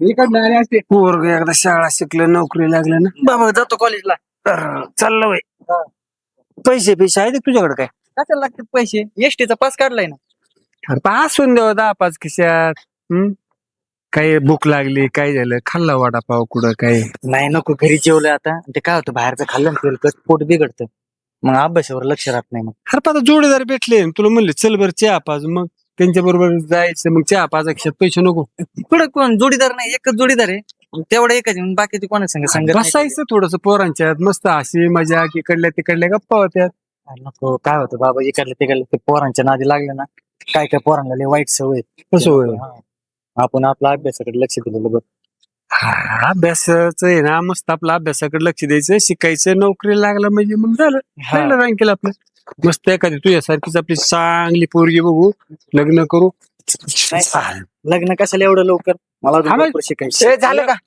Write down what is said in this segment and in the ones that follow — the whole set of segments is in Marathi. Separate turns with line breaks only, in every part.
इकडनं आले असते.
पोरग एकदा शाळा शिकलं नोकरी लागलं ना
बाबा जातो कॉलेजला.
तर चाललं वय. पैसे पैसे आहेत का तुझ्याकडे काय?
कशाला लागतात पैसे? एसटीचा पास काढलाय ना.
अरे पासून द्यावं 10-5 खिशात. काही भूक लागली काय झालं खाल्ला वडापाव कुठं काय?
नाही नको, घरी जेवलं आता. ते काय होतं बाहेरचं खाल्लं ना तेलकट पोट बिघडतं, मग अभ्यासावर लक्ष राहत नाही. मग
अरे आता जोडीदार भेटले तुला म्हणले चल बरं चहा पाज मग त्यांच्या बरोबर जायचं मग चहा पाजा खिशात पैसे नको.
पुढे कोण जोडीदार नाही, एकच जोडीदार आहे तेवढं एकच. बाकीचे कोणा संग संगत नाही.
बसायचं थोडस पोरांच्यात मस्त हसी मजा इकडल्या तिकडल्या गप्पा होत्या.
नको, काय होतं बाबा इकडले तिकडले ते पोरांच्या नादी लागले ना, काय काय पोरांना लय वाईट सवय.
कसं होईल?
आपण आपल्या अभ्यासाकडे लक्ष दिलेलं बघ.
अभ्यासाचं आहे ना मस्त आपल्या अभ्यासाकडे लक्ष द्यायचं शिकायचं नोकरी लागलं म्हणजे मग झालं राहिलं रँकेल आपलं. मस्त एखादी तुझ्यासारखीच आपली चांगली पोरगी बघू लग्न करू.
लग्न कशाला एवढं लवकर? मला अजून भरपूर शिकायचं.
झालं का?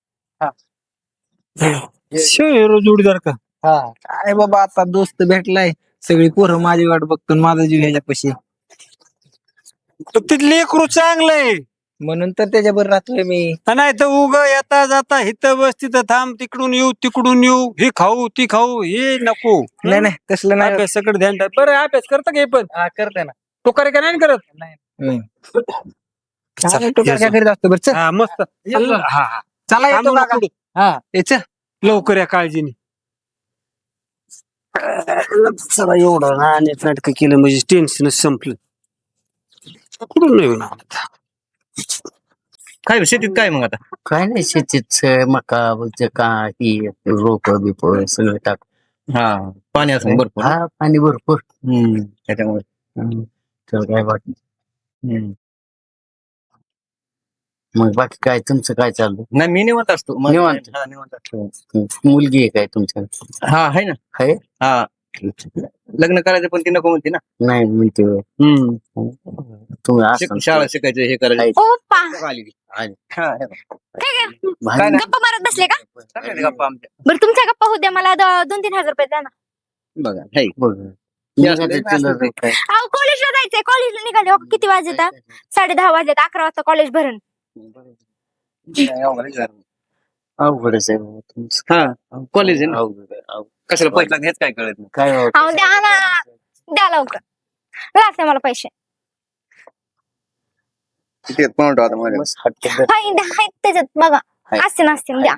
जोडीदार का?
हा काय बाबा आता दोस्त भेटलाय, सगळी पोरं माझी वाट बघतो, माझा जीव ह्याच्यापाशी.
ते लेकरू चांगलंय
म्हणून तर त्याच्याबरोबर राहतोय मी.
नाही तर उग येता जाता इथं बस तिथं थांब तिकडून येऊ हे खाऊ ती खाऊ हे नको.
नाही नाही तसलं नाही.
अभ्यासाकडे ध्यान टाक. बरं अभ्यास करता का हे पण?
करते ना.
तो करे का नाही करत?
नाही. तो काय करीत असतो बरं चल.
हा मस्त
येतो.
हा हा
चला येतो
थांबू
काका.
नको.
हा ये चल.
लवकर या काळजीने. चला एवढं नाटक केलं म्हणजे टेन्शनच संपलं. कुठून नाही होणार आता.
काय शेतीत काय मग आता?
काय नाही शेतीत मका का ही रोप बिप सगळं टाक.
हा पाणी असं भरपूर.
हा पाणी भरपूर
त्याच्यामुळे
तर काय वाटत. मग बाकी काय तुमचं काय चाललं?
नाही मी निवांत असतो.
निवांत?
हा, निवांत असतो.
मुलगी आहे काय तुमच्या?
हा आहे ना.
आहे?
हा लग्न करायचं पण ती नको म्हणते ना.
नाही म्हणते होय. तुम्ही असं
शाळा शिकायचं हे करायचं.
आहे.
ओप्पा
आली.
आहे.
हा, हे
भारी.
गप्पा मारत बसले का?
चांगले गप्पा आमच्या.
बरं तुमच्या गप्पा होऊ द्या, मला 2-3 हजार रुपये द्या ना.
बघा हे
बघ.
जास्त नाही,
चिल्लर काय?
अहो कॉलेजला जायचंय, कॉलेजला निघाले हो, किती वाजता? 10:30 वाजले, 11 वाजता कॉलेज भरण.
अवघडच आहे बाबा तुमचं.
हा कॉलेज आहे ना.
अवघड आहे, अवघड.
कशाला पैसा घेत काय कळत नाही.
काय
अहो
होतं?
द्या ना, द्या लवकर, लागते मला पैसे.
किती आहेत कोण आता मध्ये?
मस्त हटके
हाय द्या, हाय त्याच्यात बघा, असते नसते द्या.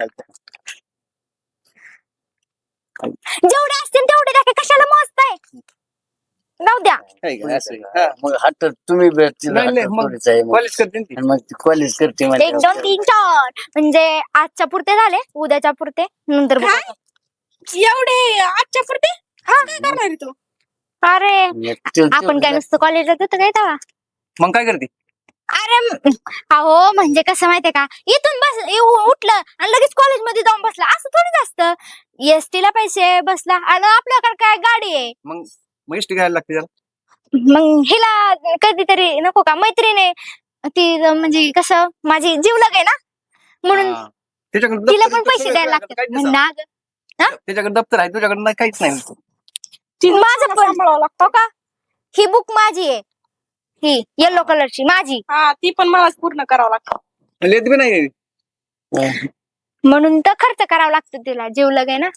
जेवढे असतील तेवढे द्या, की कशाला मस्त आहे. जाऊ द्या.
आहे का? असं आहे. हा,
मग हट्ट तुम्ही भेटतील
नाही, नाही, मग कॉलेज करते ना ती.
मग कॉलेज करते
1, 2, 3, 4 म्हणजे आजच्या पुरते झाले, उद्याच्या पुरते नंतर बघू.
एवढे आजच्या पुरते काय करणार आहे तू?
अरे आपण काय नुसतं कॉलेजला जातो काय तेव्हा?
मग काय करते?
अरे अहो म्हणजे कसं माहितीये का, इथून बस उठलं आणि लगेच कॉलेजमध्ये जाऊन बसला असं थोडीच असतं. एसटी ला पैसे बसला आणि आपल्याकडे काय गाडी आहे.
मग इष्ट घ्यायला लागते त्याला.
मग हिला कधीतरी नको का, मैत्रीने ती म्हणजे कसं माझी जीवलग आहे ना, म्हणून
हा. त्याच्याकडे
तिला
दप्तर
पण पैसे द्यायला लागतात.
काहीच
म्हणजे
नसावं.
ना
त्याच्याकडे दप्तर आहे तुझ्याकडे नाही, काहीच नाही.
माझं पण हो का, ही बुक माझी आहे, ही येलो कलरची माझी,
हा ती पण मलाच पूर्ण करावं लागतं.
लेत बी नाही.
म्हणून तर खर्च करावा लागतो तिला, जीवलग आहे ना.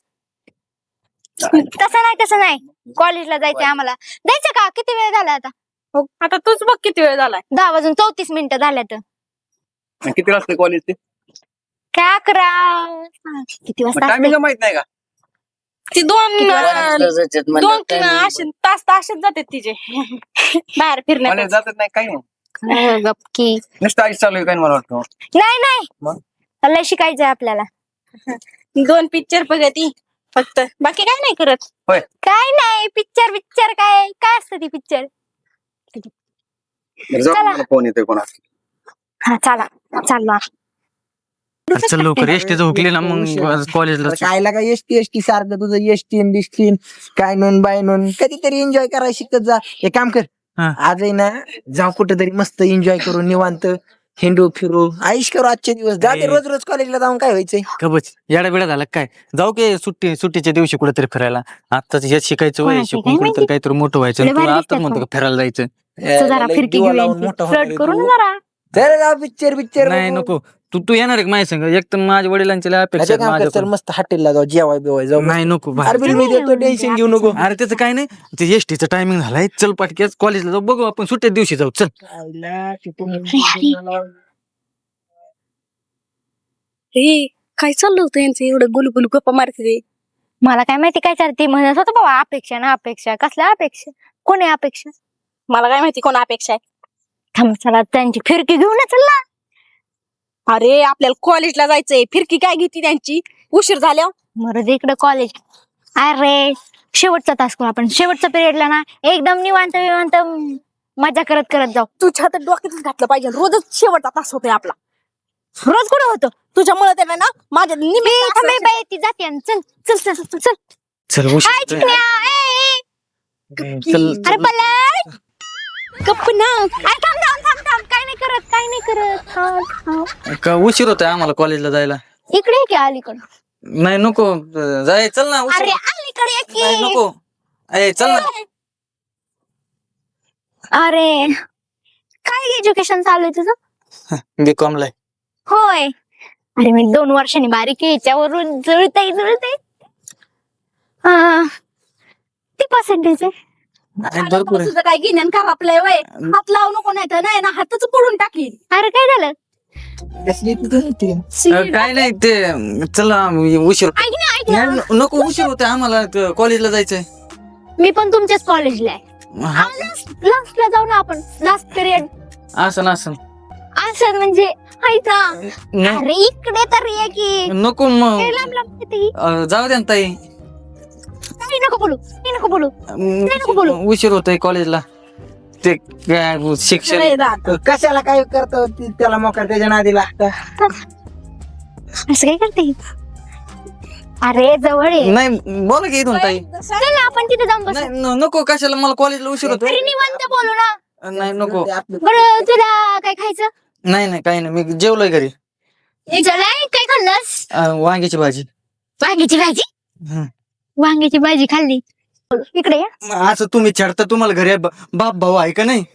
तसं नाही कॉलेजला जायचंय आम्हाला. जायचं का? किती वेळ झाला आता?
आता तूच बघ किती वेळ झालाय.
10:34 झाल्यात.
किती वाजता कॉलेज ते?
काय 11 किती वाजता
टायमिंग
असते?
माहित नाही का?
ती दोन
दोन
असे तास असेच जाते तिचे बाहेर फिरण्यात.
कॉलेज जातच नाही काही नाही.
गपकी.
नुसतं आईच चालू आहे काय मला वाटतं.
नाही
मग?
लय शिकायचंय आपल्याला.
2 पिक्चर बघती फक्त, बाकी काय नाही करत.
काय नाही, पिक्चर काय असतं ती पिक्चर. चला.
मला फोन येतोय कोणा.
हा चला चाललो.
चल लवकर एसटीचं हुकली ना मग कॉलेजला.
कायला काय एसटी सारखं तुझं एसटी दिसतीन काय नोंद बाय नोंद. कधीतरी एन्जॉय करायला शिकत जा. एक काम कर, आज आहे ना जाऊ कुठेतरी मस्त एन्जॉय करू, निवांत हिंडू फिरू, आयुष करू आजचे दिवस. जाते रोज कॉलेजला जाऊन काय व्हायचंय.
कबच येडा बिडा झाला काय? जाऊ की सुट्टीच्या दिवशी कुठेतरी फिरायला. आताच हे शिकायचं वय, शिकून कुठेतरी काहीतरी मोठं व्हायचं.
लय भारी
तुला
दिसतात
आता म्हणतो का फिरायला जायचं?
जरा फिरकी
दिवा
घेऊया,
लावून मोठा
फ्लर्ट
होणार
करू
आहे
ना
तू.
जरा.
चल जाऊ पिक्चर
नाही नको. तू येणार आहे का माझ्या संग? एक तर माझ्या वडिलांच्या लय अपेक्षा आहेत
काम कर, चल
माझ्याकडून.
मस्त हॉटेलला जाऊ, जेवाय बिवाय जाऊ.
नाही नको बाहेर.
अरे बिल मी देतो, टेन्शन घेऊ नको.
अरे त्याचं काय नाही, ते एसटीचं टायमिंग झालाय. चल पाटक्याच कॉलेजला जाऊ, बघू आपण सुट्ट्या दिवशी जाऊ. चल
हे काय चाललं होतं यांचं एवढं गुलगुल गप्पा मारते?
मला काय माहिती काय चालते म्हणत होतं बाबा, अपेक्षा ना अपेक्षा. कसल्या अपेक्षा? कोणी अपेक्षा?
मला काय माहिती कोण अपेक्षा आहे.
थांब, चला त्यांची फिरकी घेऊन चला.
अरे आपल्याला कॉलेजला जायचंय, फिरकी काय घेते त्यांची? उशीर झाल्यावर
मरद इकडे कॉलेज. अरे शेवटचा तास करू आपण, शेवटचा पिरियडला ना एकदम निवांत विवांत मजा करत करत जाऊ.
तुझ्या हातात डोक्यातच घातलं पाहिजे. रोजच शेवटचा तास होतोय आपला.
रोज कुठे होतो?
तुझ्यामुळे त्याला ना माझ्या
थांबे बाई, ती जाते आणि चल चल चल चल चल.
चल
हाय
उशीर
चिकन्या, ए, ए.
चल
अरे पलट गप्प ना. अरे थांब थांब थांब थांब, काय नाही करत, काय नाही करत. थांब, थांब.
का उशीर होतोय आम्हाला कॉलेजला जायला?
इकडे ये की अलीकडे.
नाही नको जाय, चल ना. उशीर
अरे अलीकडे ये
नाही
की.
नको. ए चल ना.
अरे काय एज्युकेशन चालू आहे तुझं?
बीकॉम ला.
होय. अरे मी 2 वर्षांनी बारीक आहे, याच्यावरून जुळतय जुळतय. किती पर्सेंटेज आहे?
भरपूर आहे.
तुझं काय घेण्यान का आपलंय वय? हात लावू नको, नाही तर नाही ना हातच पडून टाकील.
अरे काय झालं?
कसली तुझं ते?
काय नाही ते, चला उशीर.
ऐक ना ऐक ना,
नाही, नको उशीर होतोय आम्हाला, कॉलेजला जायचंय.
मी पण तुमच्याच कॉलेजला आहे.
हा,
लास्टला जाऊ ना आपण, लास्ट पिरियड.
असं असं
असं म्हणजे ऐका.
नाही,
अरे इकडे तर ये की.
नको मग.
हे लांब लांब येते की.
जाऊ द्या ना ताई.
काही नको बोलू, काही नको बोलू. नको बोलू.
उशीर होतोय कॉलेजला. ते काय शिक्षण.
अरे दादा.
कशाला काय करतो त्याला मोकार त्याच्या नादी लागतं.
असं काय करते? अरे जवळ ये.
नाही बोला की इथून ताई.
चल ना आपण तिथे जाऊन बसू.
नाही नको, कशाला, मला कॉलेजला उशीर होतोय.
अरे निवांत बोलू ना.
नाही नको.
बरं तुला काय खायचं?
नाही काही नाही, मी जेवलोय घरी.
चलाय, काय खाल्लंस?
वांग्याची भाजी.
वांग्याची भाजी.
हं.
वांग्याची भाजी खाल्ली. इकडे ये.
असं तुम्ही छडता, तुम्हाला घरी बाप भाऊ आहे का नाही?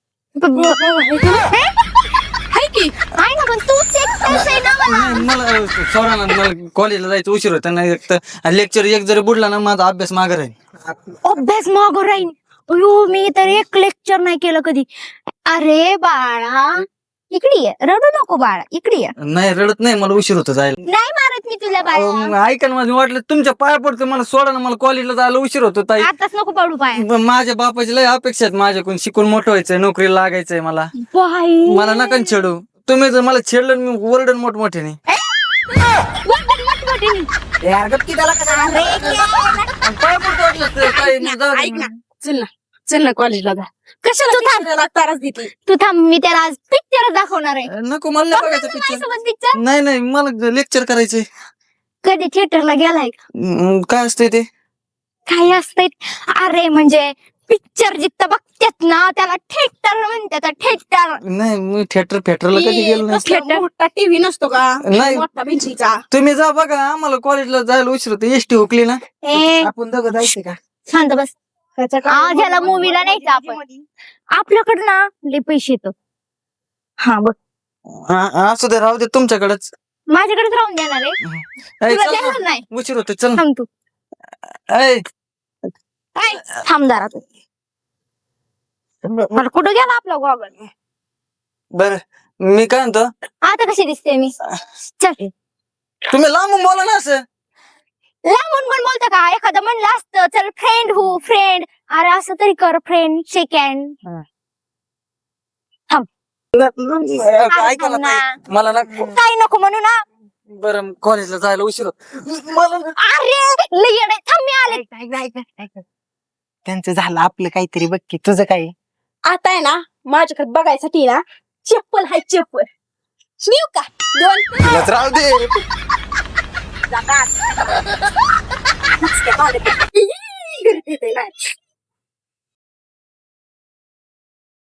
हाय की? आहे ना, पण तूच एकटाच आहे ना मला.
नाही, मला सोडा ना, मला कॉलेजला जायचं उशीर होता. नाही एक तर लेक्चर एक जरी बुडला ना, माझा अभ्यास मागे राहील.
अभ्यास मागं राहीन. अयो मी तर एक लेक्चर नाही केलं कधी. अरे बाळा इकडे ये, रडू नको बाळा, इकडे ये.
नाही रडत नाही, मला उशीर होतो जायला.
नाही मारत मी तुला बाळा.
मग ऐका ना, माझं वाटलं तुमच्या पाया पडतं, मला सोडा ना, मला कॉलेजला जायला उशीर होतो ताई.
आताच नको पडू पाय.
माझ्या बापाची लय अपेक्षा आहेत माझ्याकडून, शिकून मोठं व्हायचंय, नोकरीला लागायचंय मला.
बाई.
मला नका छेडू. तुम्ही जर मला छेडलं मी ओरडन मोठमोठ्याने.
वाटण मोठमोठ्याने.
यार गप्प की त्याला कसं.
अरे क्या?
पाया पडतो वाटलं तर, ताई, मग जाऊ दे.
ऐक ना, चल ना कॉलेजला जा. कशाला
तू थांब.
पिक्चरला त्रास देते?
तू थांब, मी त्याला आज पिक्चर दाखवणार आहे.
नको, मला नाही बघायचं पिक्चर.
माझ्यासोबत पिक्चर.
नाही मला लेक्चर करायचंय.
कधी थिएटरला गेलाय का?
काय असतंय ते?
काय असतंय? अरे म्हणजे पिक्चर जिथं बघतात ना त्याला थिएटर म्हणतात. थिएटर.
नाही, मी थिएटरला कधी गेलो नाही.
कसला मोठा टीव्ही नसतो का?
नाही.
मोठा भिंतीचा.
तुम्ही जा बघा, आम्हाला कॉलेजला जायला उशीर होतो. एसटी हुकली ना.
ए
आपण दोघं जायचं का?
शांत बस. आज याला मूवीला न्यायचं आपण. आपल्याकडे ना लय पैसे येतो. हा बघ,
असू दे, राहू दे तुमच्याकडेच.
माझ्याकडेच राहून देणार आहे.
ऐ,
तुला
चल ना.
देणार नाही.
उशीर होतो, चल ना.
थांब तू.
ऐ,
ऐ, थांब जरा तू. मला कुठं गेला आपला गॉगल?
बर मी काय म्हणतो,
आता कशी दिसते मी? चल.
तुम्ही लांबून बोला ना असं.
लांबून पण बोलतं का? एखादं म्हणलं असतं चल फ्रेंड हो फ्रेंड. अरे असं तरी कर, फ्रेंड शेक हँड.
ऐका ना ताई, मला ना
काही नको म्हणू ना.
बरं कॉलेजला जायला उशीर होतो मला ना.
अरे लय येडं आहे. थांब मी आले.
त्यांचं झालं, आपलं काहीतरी बघ की. तुझं काय?
आता आहे ना माझ्याकडे बघायसाठी ना चप्पल हाय, चप्पल. नेऊ का? 2
तुलाच राहू दे.
जातात. घरी येते ना.